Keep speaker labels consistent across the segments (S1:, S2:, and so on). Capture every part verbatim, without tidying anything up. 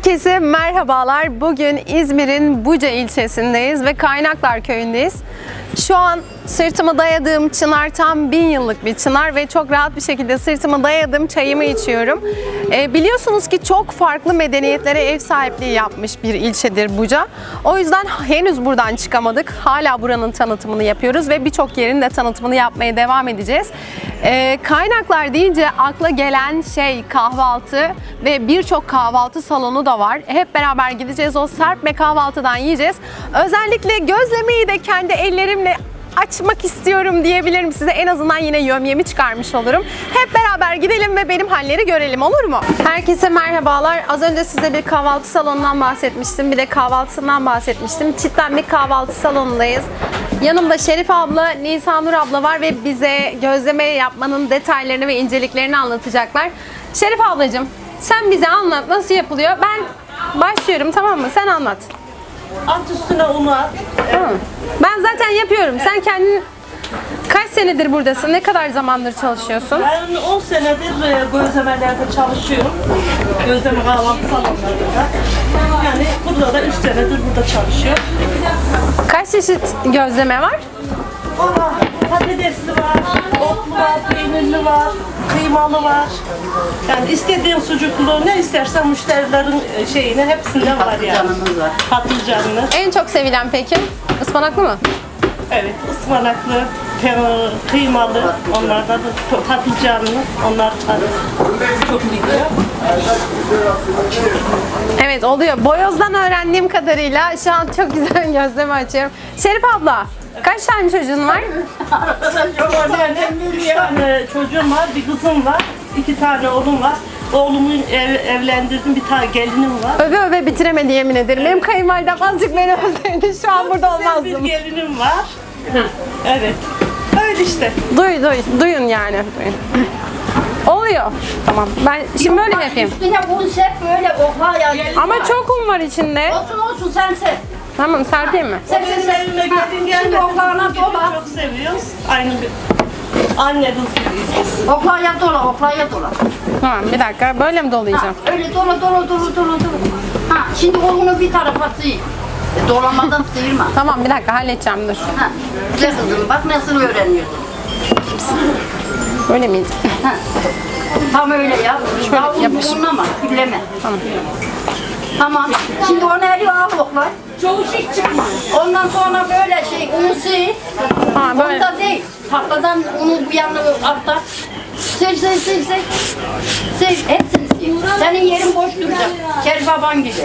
S1: Herkese merhabalar. Bugün İzmir'in Buca ilçesindeyiz ve Kaynaklar Köyü'ndeyiz. Şu an sırtıma dayadığım çınar tam bin yıllık bir çınar ve çok rahat bir şekilde sırtıma dayadığım çayımı içiyorum. E, biliyorsunuz ki çok farklı medeniyetlere ev sahipliği yapmış bir ilçedir Buca. O yüzden henüz buradan çıkamadık. Hala buranın tanıtımını yapıyoruz ve birçok yerin de tanıtımını yapmaya devam edeceğiz. E, kaynaklar deyince akla gelen şey kahvaltı ve birçok kahvaltı salonu da var. Hep beraber gideceğiz, o serpme kahvaltıdan yiyeceğiz. Özellikle gözlemeyi de kendi ellerimle açmak istiyorum diyebilirim size. En azından yine yömyemi çıkarmış olurum. Hep beraber gidelim ve benim halleri görelim, olur mu? Herkese merhabalar. Az önce size bir kahvaltı salonundan bahsetmiştim. Bir de kahvaltısından bahsetmiştim. Cidden bir kahvaltı salonundayız. Yanımda Şerif abla, Nisanur abla var ve bize gözleme yapmanın detaylarını ve inceliklerini anlatacaklar. Şerif ablacığım, sen bize anlat nasıl yapılıyor. Ben başlıyorum, tamam mı? Sen anlat.
S2: At üstüne unu at.
S1: Tamam. Ben zaten yapıyorum. Sen kendin kaç senedir buradasın? Ne kadar zamandır çalışıyorsun?
S2: Ben on senedir gözlemelerde çalışıyorum. Gözleme kahvaltı salonlarında. Yani burada da üç senedir burada çalışıyorum.
S1: Kaç çeşit gözleme var?
S2: Valla patatesli var, otlu var, peynirli var, kıymalı var. Yani istediğin sucuklu ne istersen müşterilerin şeyine hepsinden var yani.
S3: Patlıcanımız var.
S2: Patlıcanlı.
S1: En çok sevilen peki? Ispanaklı mı?
S2: Evet, ıspanaklı, kıymalı, onlardan da patlıcanlı, onlar çok gidiyor.
S1: Evet, oluyor. Boyoz'dan öğrendiğim kadarıyla şu an çok güzel gözleme açıyorum. Şerif abla, kaç tane çocuğun var?
S2: Benim üç tane çocuğum var, bir kızım var, iki tane oğlum var. Oğlumu ev, evlendirdim, bir tane gelinim var.
S1: Öve öve bitiremedi yemin ederim. Benim kayınvalidem azıcık beni özledi. Şu an burada
S2: Güzel
S1: olmazdım.
S2: bir gelinim var. Evet, öyle işte.
S1: Duy, duy, duyun yani. Duyun. Oluyor. Tamam. Ben şimdi böyle yapayım.
S3: Üstüne un serp böyle oha ya.
S1: Ama çok un var içinde.
S3: Olsun olsun sen serp.
S1: Tamam, serpeyim mi?
S3: Sen
S2: Benim
S3: serp.
S2: evime
S3: Ha,
S2: gelin
S3: şimdi
S2: gelmedi.
S3: oklağına dola.
S2: Çok seviyoruz. Aynı bir anne kız gibiyiz biz.
S3: Oklaya dola, oklaya dola.
S1: Tamam, bir dakika. Böyle mi
S3: Ha,
S1: dolayacağım?
S3: öyle dola dola dola dola dola. Ha, şimdi onu bir tarafa sıyır. E, dolamadan sıyırma.
S1: Tamam, bir dakika halledeceğim, dur.
S3: Ha, güzel kızım bak nasıl öğreniyorsun.
S1: Böyle miydi?
S3: Ha. Tam öyle yap.
S1: Şöyle
S3: Daha
S1: yapış.
S3: unlama, külleme.
S1: Tamam.
S3: Tamam. Şimdi onu eriyor al okla. Çoğu şey çıkmıyor. Ondan sonra böyle şey unu sıyır.
S1: Ha, böyle.
S3: Onda değil. Tahtadan unu bu yanına altta. Sil sil sil sil. Sil hepsini sil. Senin yerin boş duracak. Şerif baban gibi.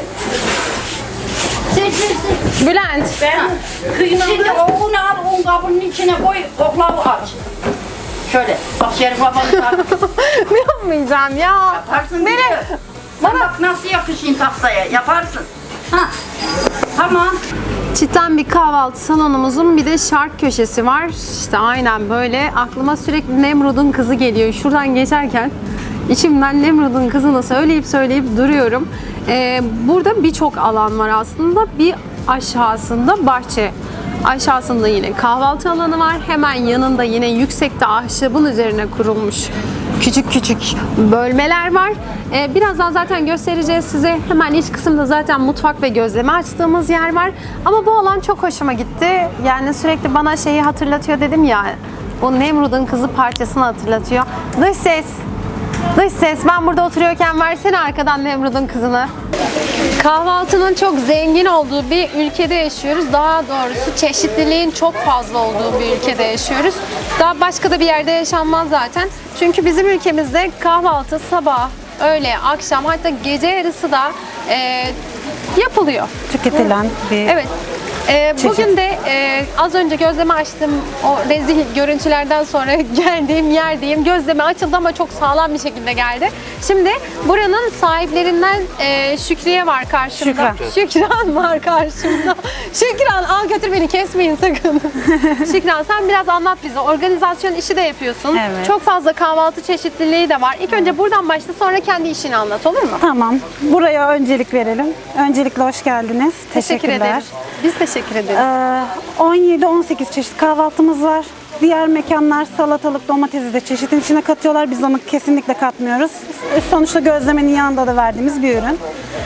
S3: Sil sil sil.
S1: Bülent.
S3: Ha. Şimdi o unu al un kabının içine koy oklavu aç. Şöyle. Bak Şerif baban
S1: Ne yapmayacağım ya?
S3: yaparsın.
S1: Nereye?
S3: Bile. Sen bak nasıl yakışın tahtaya yaparsın. Ha. Tamam.
S1: Cidden bir kahvaltı salonumuzun bir de şark köşesi var. İşte aynen böyle. Aklıma sürekli Nemrud'un kızı geliyor. Şuradan geçerken içimden Nemrud'un kızını söyleyip söyleyip duruyorum. Ee, burada birçok alan var aslında. Bir aşağısında bahçe. Aşağısında yine kahvaltı alanı var. Hemen yanında yine yüksekte ahşabın üzerine kurulmuş küçük küçük bölmeler var. Ee, birazdan zaten göstereceğiz size. Hemen iç kısımda zaten mutfak ve gözleme açtığımız yer var. Ama bu alan çok hoşuma gitti. Yani sürekli bana şeyi hatırlatıyor dedim ya. O Nemrud'un kızı parçasını hatırlatıyor. Dış ses. Dış ses. Ben burada oturuyorken versene arkadan Nemrud'un kızını. Kahvaltının çok zengin olduğu bir ülkede yaşıyoruz. Daha doğrusu çeşitliliğin çok fazla olduğu bir ülkede yaşıyoruz. Daha başka da bir yerde yaşanmaz zaten. Çünkü bizim ülkemizde kahvaltı sabah, öğle, akşam hatta gece yarısı da e, yapılıyor.
S4: Tüketilen bir
S1: Evet. Ee, bugün de e, az önce gözleme açtım. O rezil görüntülerden sonra geldiğim yerdeyim. Gözleme açıldı ama çok sağlam bir şekilde geldi. Şimdi buranın sahiplerinden e, Şükriye var karşımda.
S4: Şükran.
S1: Şükran var karşımda. Şükran al götür beni kesmeyin sakın. Şükran sen biraz anlat bize. Organizasyon işi de yapıyorsun.
S4: Evet.
S1: Çok fazla kahvaltı çeşitliliği de var. İlk önce buradan başla sonra kendi işini anlat, olur mu?
S4: Tamam. Buraya öncelik verelim. Öncelikle hoş geldiniz.
S1: Teşekkür
S4: Teşekkürler.
S1: ederiz. Biz teşekkür ederiz.
S4: Ee, on yedi on sekiz çeşit kahvaltımız var. Diğer mekanlar salatalık, domatesi de çeşitin içine katıyorlar. Biz onu kesinlikle katmıyoruz. Sonuçta gözlemenin yanında da verdiğimiz bir ürün.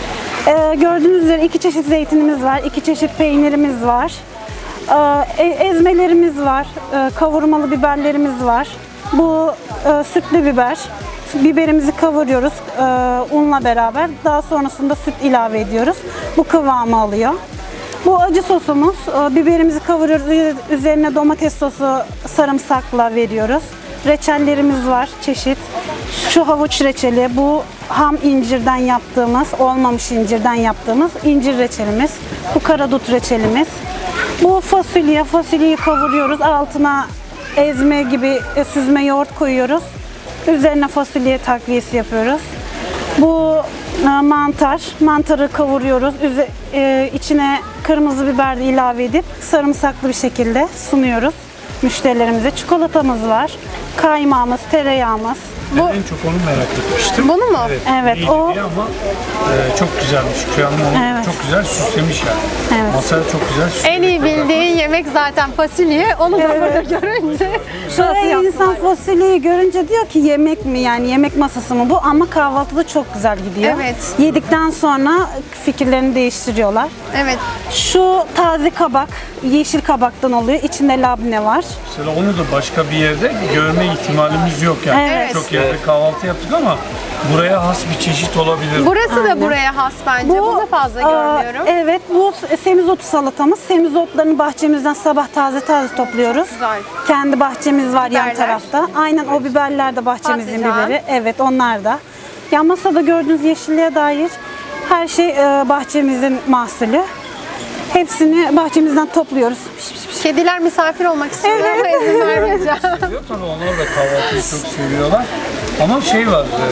S4: Ee, gördüğünüz üzere iki çeşit zeytinimiz var, iki çeşit peynirimiz var. Ee, e- ezmelerimiz var, ee, kavurmalı biberlerimiz var. Bu e, sütlü biber. Biberimizi kavuruyoruz e, unla beraber. Daha sonrasında süt ilave ediyoruz. Bu kıvamı alıyor. Bu acı sosumuz. E, biberimizi kavuruyoruz. Üzerine domates sosu sarımsakla veriyoruz. Reçellerimiz var çeşit. Şu havuç reçeli, bu ham incirden yaptığımız, olmamış incirden yaptığımız incir reçelimiz. Bu karadut reçelimiz. Bu fasulye, fasulyeyi kavuruyoruz. Altına ezme gibi e, süzme yoğurt koyuyoruz. Üzerine fasulye takviyesi yapıyoruz. Bu e, mantar, mantarı kavuruyoruz. Üze, e, içine kırmızı biber de ilave edip sarımsaklı bir şekilde sunuyoruz müşterilerimize. Çikolatamız var, kaymağımız, tereyağımız.
S5: Ben en çok onu merak etmiştim.
S1: Bunu mu?
S5: Evet,
S4: Evet,
S5: iyiydi
S4: o-
S5: diye ama e, çok güzelmiş. Şükrü Hanım onu
S4: Evet.
S5: çok güzel süslemiş yani.
S4: Evet.
S5: Masaya çok güzel süslemiş.
S1: En iyi bildiği yemek zaten fasulye. Onu da burada görünce nasıl
S4: Şöyle
S1: yaptın
S4: insan
S1: acaba?
S4: fasulyeyi görünce diyor ki yemek mi, yani yemek masası mı bu, ama kahvaltıda çok güzel gidiyor.
S1: Evet.
S4: Yedikten sonra fikirlerini değiştiriyorlar.
S1: Evet.
S4: Şu taze kabak, yeşil kabaktan oluyor. İçinde labne var.
S5: Mesela onu da başka bir yerde görme ihtimalimiz yok yani.
S4: Evet.
S5: Çok yerde kahvaltı yaptık ama buraya has bir çeşit olabilir.
S1: Burası da buraya has bence. Bunu fazla
S4: aa,
S1: görmüyorum.
S4: Evet, bu semizotu salatamız. Semizotlarını bahçemizden sabah taze taze topluyoruz.
S1: Güzel.
S4: Kendi bahçemiz var yan
S1: Biberler.
S4: tarafta. Aynen, o biberler de bahçemizin
S1: Patlıcan.
S4: biberi. Evet, onlar da. Ya masada gördüğünüz yeşilliğe dair her şey e, bahçemizin mahsulü. Hepsini bahçemizden topluyoruz. Piş, piş, piş.
S1: Kediler misafir olmak istiyor ama izin vermeyeceğim.
S5: Seviyor tabii, onlar da kahvaltıyı çok seviyorlar. Ama şey var, e,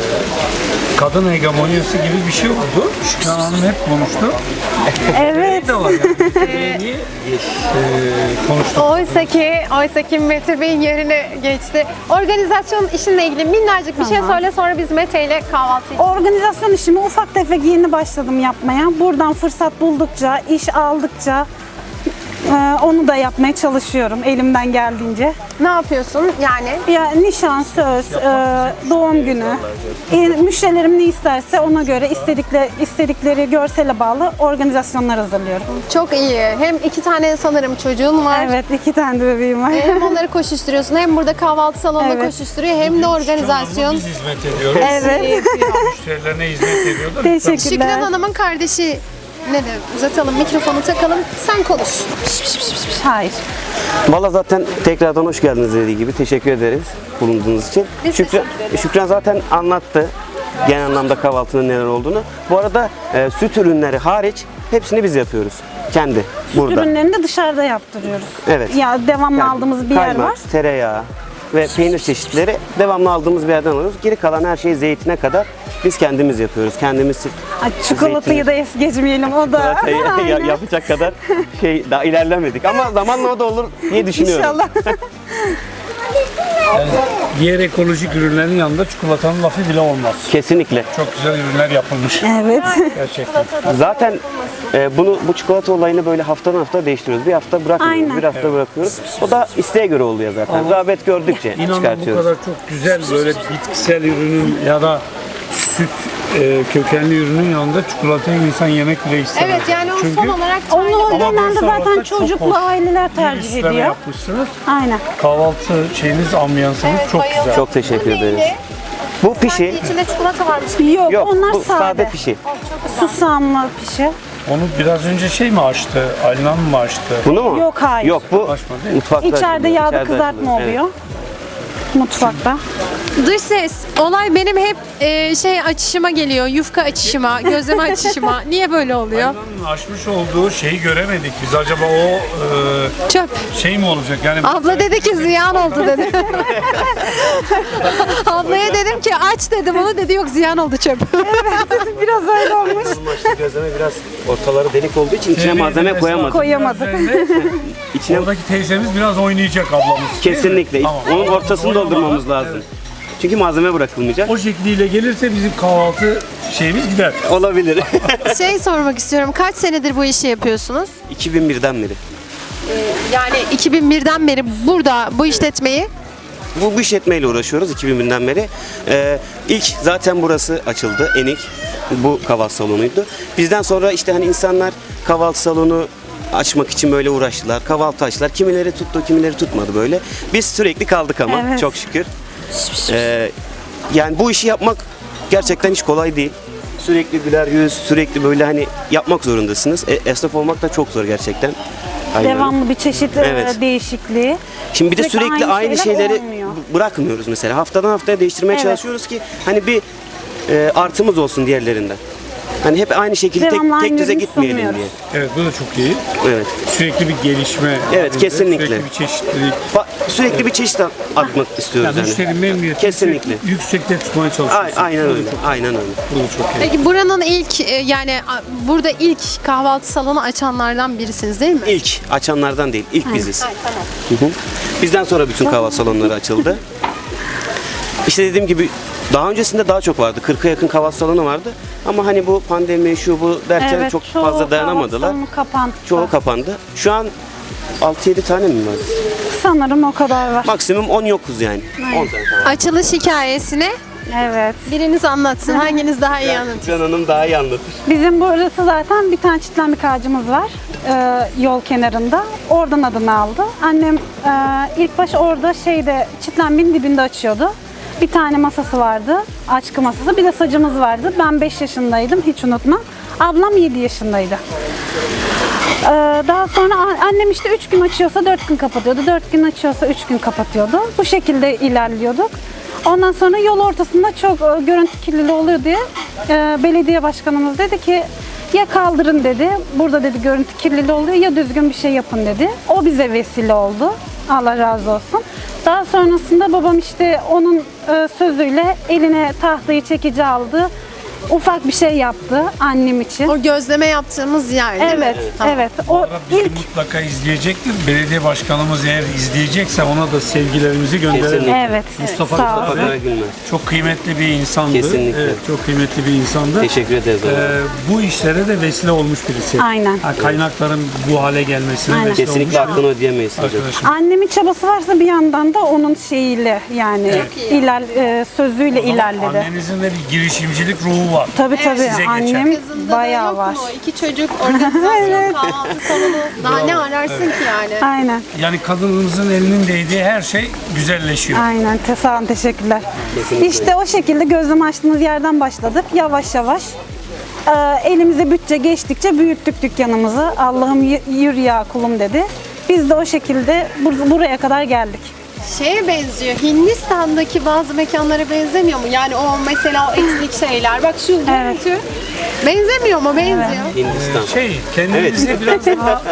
S5: kadın hegemonyası gibi bir şey oldu. Şükrü Hanım hep konuştu.
S4: Evet.
S5: de var yani. Niye e, konuştuk?
S1: Oysa ki, oysa ki Mete Bey'in yerine geçti. Organizasyon işinle ilgili minnacık bir şey
S4: Tamam.
S1: söyle, sonra biz Mete ile kahvaltı için.
S4: Organizasyon işimi ufak tefek yeni başladım yapmaya. Buradan fırsat buldukça, iş aldıkça e, onu da yapmaya çalışıyorum elimden geldiğince.
S1: Ne yapıyorsun yani?
S4: Ya nişan, söz, e, doğum günü, e, müşterilerim ne isterse ona göre istedikleri, istedikleri görsele bağlı organizasyonlar hazırlıyorum.
S1: Çok iyi. Hem iki tane sanırım çocuğun var.
S4: Evet, iki tane de bebeğim var.
S1: Hem onları koşuşturuyorsun, hem burada kahvaltı salonunda
S4: Evet.
S1: koşuşturuyor, hem de organizasyon.
S5: Biz hizmet ediyoruz.
S4: Evet.
S5: Müşterilerine hizmet ediyor da.
S1: Şükran
S4: Teşekkürler.
S1: Hanım'ın kardeşi ne de uzatalım, mikrofonu takalım, sen konuş.
S4: Hayır.
S6: Valla zaten tekrardan hoş geldiniz dediği gibi. Teşekkür ederiz bulunduğunuz için.
S1: Biz
S6: Şükran,
S1: teşekkür ederiz.
S6: Şükran zaten anlattı genel anlamda kahvaltının neler olduğunu. Bu arada e, süt ürünleri hariç hepsini biz yapıyoruz. Kendi burada.
S4: Ürünlerini de dışarıda yaptırıyoruz.
S6: Evet.
S4: Ya devamlı
S6: Yani
S4: aldığımız bir yer
S6: kaymak,
S4: var.
S6: tereyağı ve peynir çeşitleri devamlı aldığımız bir yerden alıyoruz. Geri kalan her şeyi zeytine kadar biz kendimiz yapıyoruz. Kendimiz
S4: Ay, çikolatayı da es geçmeyelim, o da.
S6: çikolatayı ya-
S4: Aynen.
S6: yapacak kadar şey daha ilerlemedik. Ama zamanla o da olur diye düşünüyorum.
S4: İnşallah.
S5: Diğer ekolojik ürünlerin yanında çikolatanın lafı bile olmaz.
S6: Kesinlikle.
S5: Çok güzel ürünler yapılmış
S4: Evet.
S5: gerçekten.
S6: Zaten e, bunu bu çikolata olayını böyle haftadan hafta değiştiriyoruz. Bir hafta bırakmıyoruz,
S4: Aynen.
S6: bir hafta bırakıyoruz. O da isteğe göre oluyor zaten. Rağbet gördükçe
S5: İnanın bu
S6: çıkartıyoruz.
S5: kadar çok güzel böyle bitkisel ürünün ya da süt e, kökenli ürünün yanında çikolatayı insan yemek bile istemez.
S1: Evet, yani o
S5: Çünkü
S1: son olarak
S4: Onu
S5: Ama
S4: genelde
S5: böyle
S4: zaten
S5: sabahta çok
S4: çocuklu
S5: hoş
S4: aileler
S5: bir
S4: tercih
S5: üstleme
S4: ediyor.
S5: yapmışsınız.
S4: Aynen.
S5: Kahvaltı şeyiniz, ambiyansınız çok güzel.
S6: Çok teşekkür ederiz. Bu pişi
S1: sanki içinde çikolata varmış.
S4: Yok,
S6: yok,
S4: onlar
S6: bu
S4: sade.
S6: sade pişi.
S4: Susamlı pişi.
S5: Onu biraz önce şey mi açtı? Alinan mı açtı?
S6: Bunu mu?
S4: Yok, hayır.
S6: Yok, bu
S5: Açma değil mi?
S6: mutfakta
S4: İçeride
S6: açılıyor,
S4: yağda
S6: içeride
S4: kızartma
S6: açılıyor. Evet.
S4: oluyor. Mutfakta.
S1: Dış ses, olay benim hep e, şey açışıma geliyor, yufka açışıma, gözleme açışıma. Niye böyle oluyor?
S5: Alinan'ın açmış olduğu şeyi göremedik biz. Acaba o e,
S1: Çöp.
S5: şey mi olacak? Yani
S1: Abla dedi ki ziyan oldu dedi. Ablaya dedim ki aç dedim, onu dedi yok ziyan oldu çöp.
S4: Biraz öyle olmuş.
S6: Açtığı gözleme biraz ortaları delik olduğu için içine malzeme koyamadık.
S4: Koyamadık.
S6: İçine
S5: Oradaki teyzemiz biraz oynayacak ablamız. değil mi?
S6: kesinlikle.
S5: Tamam.
S6: Onun ortasını
S5: Oynamadan,
S6: doldurmamız lazım.
S5: evet.
S6: Çünkü malzeme bırakılmayacak.
S5: O şekliyle gelirse bizim kahvaltı şeyimiz gider.
S6: Olabilir.
S1: Şey sormak istiyorum, kaç senedir bu işi yapıyorsunuz?
S6: iki bin birden beri.
S1: Yani iki bin birden beri burada bu işletmeyi.
S6: Bu, bu işletmeyle uğraşıyoruz iki bin birden beri. Ee, ilk zaten burası açıldı, Enik. bu kahvaltı salonuydu. Bizden sonra işte hani insanlar kahvaltı salonu açmak için böyle uğraştılar. Kahvaltı açtılar. Kimileri tuttu, kimileri tutmadı böyle. Biz sürekli kaldık ama
S4: Evet.
S6: çok şükür. Ee, yani bu işi yapmak gerçekten hiç kolay değil. Sürekli güler yüz, sürekli böyle hani yapmak zorundasınız. E, esnaf olmak da çok zor gerçekten. Aynen.
S4: Devamlı bir çeşit e,
S6: Evet.
S4: değişikliği.
S6: Şimdi bir de
S4: Sürekli
S6: sürekli
S4: aynı
S6: aynı,
S4: şeyler
S6: şeyleri
S4: olmuyor.
S6: b- bırakmıyoruz mesela. Haftadan haftaya değiştirmeye
S4: Evet.
S6: çalışıyoruz ki hani bir e, artımız olsun diğerlerinden. Hani hep aynı şekilde tek,
S4: Devamlı
S6: tek
S4: aynı
S6: düze
S4: ürünü
S6: gitmeyelim
S4: sunmuyoruz.
S6: diye.
S5: Evet, bu da çok iyi.
S6: Evet.
S5: Sürekli bir gelişme.
S6: Evet,
S5: halinde,
S6: kesinlikle.
S5: Sürekli bir çeşitlilik.
S6: Fa- sürekli bir çeşit at- atmak istiyoruz
S5: Yani
S6: yani.
S5: müşteri memnuniyetini
S6: Kesinlikle.
S5: yüksekte tutmaya
S6: A-
S5: çalışıyoruz.
S6: aynen
S5: Bu da
S6: öyle.
S5: çok-
S6: Aynen öyle.
S5: Bu da çok iyi.
S1: Peki buranın ilk e, yani a- burada ilk kahvaltı salonu açanlardan birisiniz değil mi?
S6: İlk açanlardan değil, ilk biziz.
S1: Ay, tamam.
S6: Hı hı. Bizden sonra bütün kahvaltı salonları açıldı. İşte dediğim gibi daha öncesinde daha çok vardı. kırka yakın kahvaltı salonu vardı. Ama hani bu pandemi şu bu derken
S4: Evet,
S6: çok
S4: çoğu
S6: fazla dayanamadılar.
S4: kahvaltı salonu kapandı.
S6: Çoğu kapandı. Şu an altı yedi tane mi var?
S4: Sanırım o kadar var.
S6: Maksimum on yokuz yani. on tane falan.
S1: Açılış hikayesini
S4: Evet.
S1: biriniz anlatsın. Hanginiz daha iyi anlatır?
S6: Can Hanım daha iyi anlatır.
S4: Bizim burası zaten bir tane çitlenmek ağacımız var. e, yol kenarında. Oradan adını aldı. Annem e, ilk baş orada şeyde çitlenmenin dibinde açıyordu. Bir tane masası vardı. Açkı masası. Bir de sacımız vardı. Ben beş yaşındaydım. Hiç unutmam. Ablam yedi yaşındaydı. Ee, Daha sonra a- annem işte üç gün açıyorsa dört gün kapatıyordu. dört gün açıyorsa üç gün kapatıyordu. Bu şekilde ilerliyorduk. Ondan sonra yol ortasında çok e, görüntü kirliliği oluyor diye e, belediye başkanımız dedi ki ya kaldırın dedi. Burada dedi görüntü kirliliği oluyor ya düzgün bir şey yapın dedi. O bize vesile oldu. Allah razı olsun. Daha sonrasında babam işte onun e, sözüyle eline tahtayı çekici aldı. Ufak bir şey yaptı annem için.
S1: O gözleme yaptığımız yer değil mi?
S4: Evet,
S1: Tamam.
S4: evet.
S5: Bu
S4: O
S5: arada bizi
S4: ilk
S5: mutlaka izleyecektir. Belediye başkanımız eğer izleyecekse ona da sevgilerimizi gönderelim.
S6: Kesinlikle.
S4: evet.
S5: Mustafa
S4: Sağ
S5: Mustafa
S4: olsun.
S6: Mustafa Karagülmez.
S5: Çok kıymetli bir insandı.
S6: Kesinlikle.
S5: Evet, çok kıymetli bir insandı.
S6: Teşekkür ederiz ona.
S5: Ee, bu işlere de vesile olmuş birisi.
S4: Aynen.
S5: Ha, kaynakların bu hale gelmesine
S4: Aynen.
S5: vesile
S6: Kesinlikle
S5: olmuş
S6: hakkını ödeyemeyiz hocam.
S5: arkadaşım.
S4: Annemin çabası varsa bir yandan da onun şeyiyle yani iler, e, sözüyle ilerledi.
S5: Annenizin de bir girişimcilik ruhu var.
S4: Tabii tabii
S5: Size geçer.
S4: annem
S1: Kızında da
S4: bayağı
S1: yok
S4: var.
S1: mu? İki çocuk, organizasyon, kahvaltı salonu. Daha ne ararsın ki yani?
S4: Aynen.
S5: Yani kadınımızın elinin değdiği her şey güzelleşiyor.
S4: Aynen. Te- Sağ olun, teşekkürler.
S6: Kesinlikle.
S4: İşte o şekilde gözlem açtığımız yerden başladık. Yavaş yavaş. Ee, elimize bütçe geçtikçe büyüttük dükkanımızı. Allah'ım y- yürü ya kulum dedi. Biz de o şekilde bur- buraya kadar geldik.
S1: Şeye benziyor. Hindistan'daki bazı mekanlara benzemiyor mu? Yani o mesela o etnik şeyler. Bak şu görüntü. Benzemiyor mu? Benziyor.
S6: Hindistan.
S5: Şey, kendinize biraz daha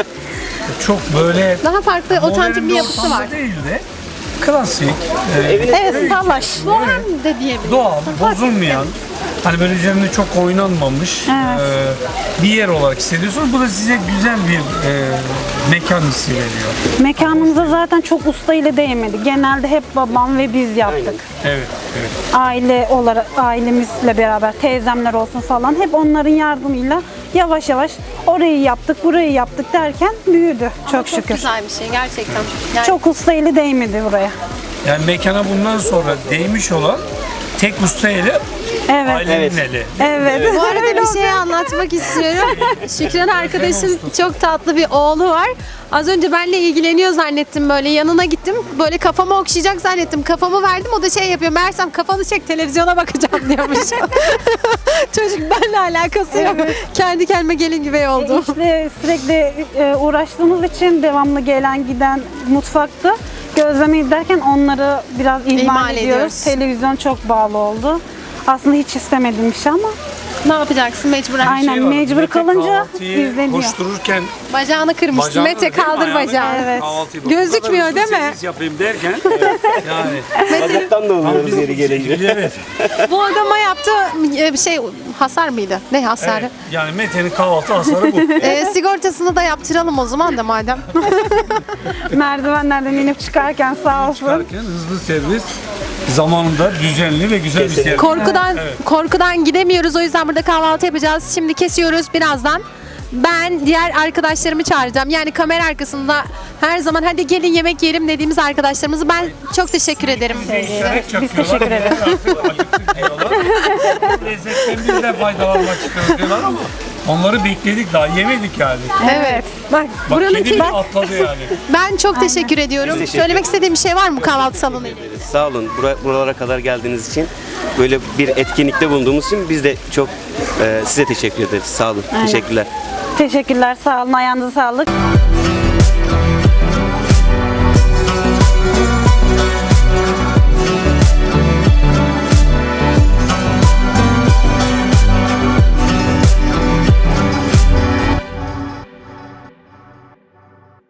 S5: çok böyle
S1: Daha farklı, otantik
S5: modern
S1: bir yapısı
S5: ortamda
S1: var.
S5: değil de klasik, e,
S4: Evet, salaş.
S1: Bohem de diyebiliriz.
S5: doğal, bozulmayan, hani böyle üzerinde çok oynanmamış
S4: Evet.
S5: e, bir yer olarak hissediyorsunuz. Bu da size güzel bir e, mekan hissi veriyor.
S4: Mekanımıza zaten çok usta ile değmedi. Genelde hep babam ve biz yaptık.
S5: Evet, evet.
S4: Aile olarak ailemizle beraber teyzemler olsun falan hep onların yardımıyla yavaş yavaş orayı yaptık, burayı yaptık derken büyüdü çok,
S1: Çok
S4: şükür.
S1: güzel bir şey gerçekten. Yani
S4: Çok usta eli değmedi buraya.
S5: Yani mekana bundan sonra değmiş olan tek usta eli
S4: Evet.
S5: ailenin
S6: Evet.
S5: eli.
S4: Evet.
S1: bu arada bir şey anlatmak istiyorum. Şükran arkadaşın çok tatlı bir oğlu var. Az önce benimle ilgileniyor zannettim böyle. Yanına gittim. Böyle kafamı okşayacak zannettim. Kafamı verdim. O da şey yapıyor. Meğersem kafanı çek televizyona bakacağım diyormuş. Çocuk benimle alakası yok. Kendi kendime gelin güvey oldu.
S4: İşte sürekli e, uğraştığımız için devamlı gelen giden mutfakta gözlemeyi derken onları biraz ihmal,
S1: İhmal
S4: ediyoruz.
S1: ediyoruz.
S4: Televizyon çok bağlı oldu. Aslında hiç istemediğim bir şey ama
S1: Ne yapacaksın mecburen?
S4: Aynen.
S5: Şey var,
S4: mecbur
S5: Mete
S4: kalınca
S5: kahvaltıyı
S4: izleniyor.
S5: Koştururken
S1: Bacağını kırmıştı.
S5: bacağını
S1: Mete
S5: değil mi,
S1: kaldır
S5: ayağını
S1: bacağını.
S4: Evet.
S5: kahvaltıyı bu
S1: Gözükmüyor
S5: kadar
S1: değil
S5: hızlı
S1: mi?
S5: servis yapayım derken yani
S6: Bacaktan da oluyoruz yeri gelince.
S5: evet.
S1: Bu adama yaptı e, bir şey hasar mıydı? Ne hasarı?
S5: Evet, yani Mete'nin kahvaltı hasarı bu.
S1: E, sigortasını da yaptıralım o zaman da madem.
S4: merdivenlerden inip çıkarken sağ olsun.
S5: Çıkarken hızlı servis, zamanında düzenli ve güzel bir
S6: Kesinlikle.
S5: servis.
S1: Korkudan
S5: Evet.
S1: korkudan gidemiyoruz. O yüzden burada kahvaltı yapacağız. Şimdi kesiyoruz birazdan. Ben diğer arkadaşlarımı çağıracağım. Yani kamera arkasında her zaman hadi gelin yemek yiyelim dediğimiz arkadaşlarımızı ben çok teşekkür ederim.
S5: İşaret
S4: Biz
S5: çakıyorlar.
S4: teşekkür ederiz.
S5: Artık acıktık diyorlar. lezzetten biz de faydalanmak istiyoruz diyorlar ama onları bekledik daha yemedik yani.
S1: Evet. Bak,
S5: Bak
S1: buranın
S5: kedi bile atladı yani.
S1: ben çok teşekkür ediyorum.
S6: teşekkür
S1: Söylemek
S6: ederiz.
S1: istediğim bir şey var mı kahvaltı salonu ile?
S6: Sağ olun bura- buralara kadar geldiğiniz için, böyle bir etkinlikte bulunduğumuz için biz de çok e, size teşekkür ederiz. Sağ olun. Teşekkürler.
S4: Teşekkürler, sağ olun, ayağınıza sağlık.